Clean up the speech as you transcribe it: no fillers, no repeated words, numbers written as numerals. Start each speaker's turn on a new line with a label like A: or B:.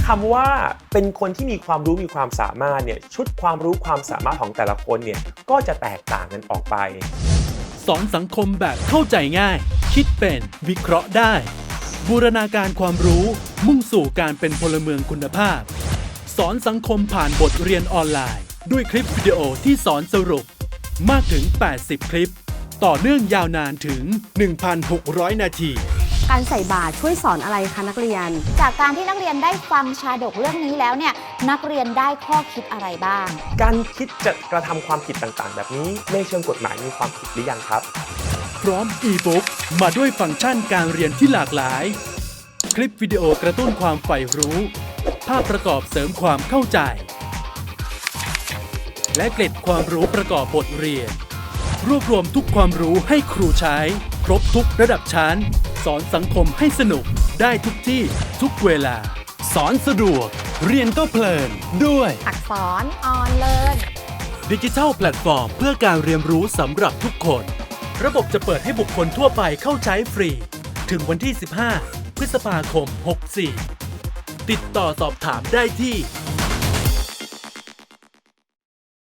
A: คำว่าเป็นคนที่มีความรู้มีความสามารถเนี่ยชุดความรู้ความสามารถของแต่ละคนเนี่ยก็จะแตกต่างกันออกไป
B: สอนสังคมแบบเข้าใจง่าย คิดเป็นวิเคราะห์ได้ บูรณาการความรู้มุ่งสู่การเป็นพลเมืองคุณภาพ สอนสังคมผ่านบทเรียนออนไลน์ ด้วยคลิปวิดีโอที่สอนสรุปมากถึง 80 คลิป ต่อเนื่องยาวนานถึง 1,600 นาที
C: การใส่บาตรช่วยสอนอะไรคะนักเรียน
D: จากการที่นักเรียนได้ฟังชาดกเรื่องนี้แล้วเนี่ยนักเรียนได้ข้อคิดอะไรบ้าง
A: การคิดจะกระทำความผิดต่างๆแบบนี้ในเชิงกฎหมายมีความผิดหรือยังครับ
B: พร้อมอีบุ๊กมาด้วยฟังก์ชันการเรียนที่หลากหลายคลิปวิดีโอกระตุ้นความใฝ่รู้ภาพประกอบเสริมความเข้าใจและเกร็ดความรู้ประกอบบทเรียนรวบรวมทุกความรู้ให้ครูใช้ครบทุกระดับชั้นสอนสังคมให้สนุกได้ทุกที่ทุกเวลาสอนสะดวกเรียนก็เพลินด้วย
D: อักษรออนเลิร์น
B: ดิจิทัลแพลตฟอร์มเพื่อการเรียนรู้สำหรับทุกคนระบบจะเปิดให้บุคคลทั่วไปเข้าใช้ฟรีถึงวันที่ 15 พฤษภาคม 64 ติดต่อสอบถามได้ที่